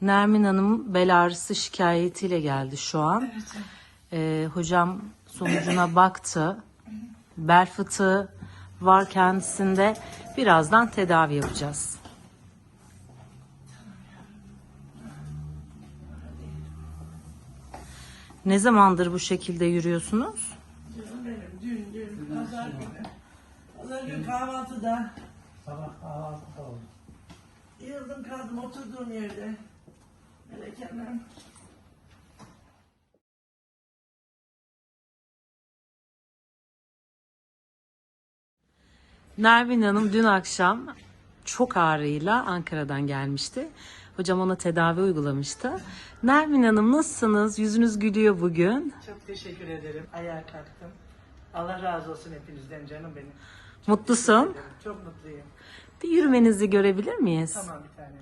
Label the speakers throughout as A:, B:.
A: Nermin Hanım bel ağrısı şikayetiyle geldi şu an. Hocam sonucuna baktı. Bel fıtığı var kendisinde. Birazdan tedavi yapacağız. Ne zamandır bu şekilde yürüyorsunuz?
B: Canım benim dün pazar günü. Pazar günü kahvaltıda
C: Sabah kahvaltıda oldu.
B: yıldım kaldım oturduğum yerde. Melek Hanım.
A: Nermin Hanım dün akşam çok ağrıyla Ankara'dan gelmişti. Hocam ona tedavi uygulamıştı. Nermin Hanım nasılsınız? Yüzünüz gülüyor bugün.
B: Çok teşekkür ederim. Ayağa kalktım. Allah razı olsun hepinizden canım benim.
A: Mutlusun.
B: Ederim. Çok mutluyum.
A: Bir yürümenizi görebilir miyiz?
B: Tamam bir tane.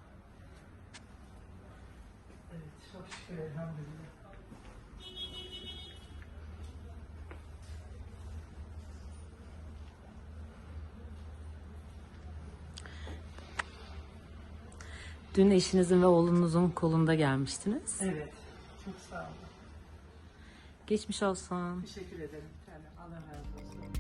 B: Evet çok şükür elhamdülillah.
A: Dün eşinizin ve oğlunuzun kolunda gelmiştiniz.
B: Evet. Çok sağ olun.
A: Geçmiş olsun.
B: Teşekkür ederim. Bir tane. Allah razı olsun.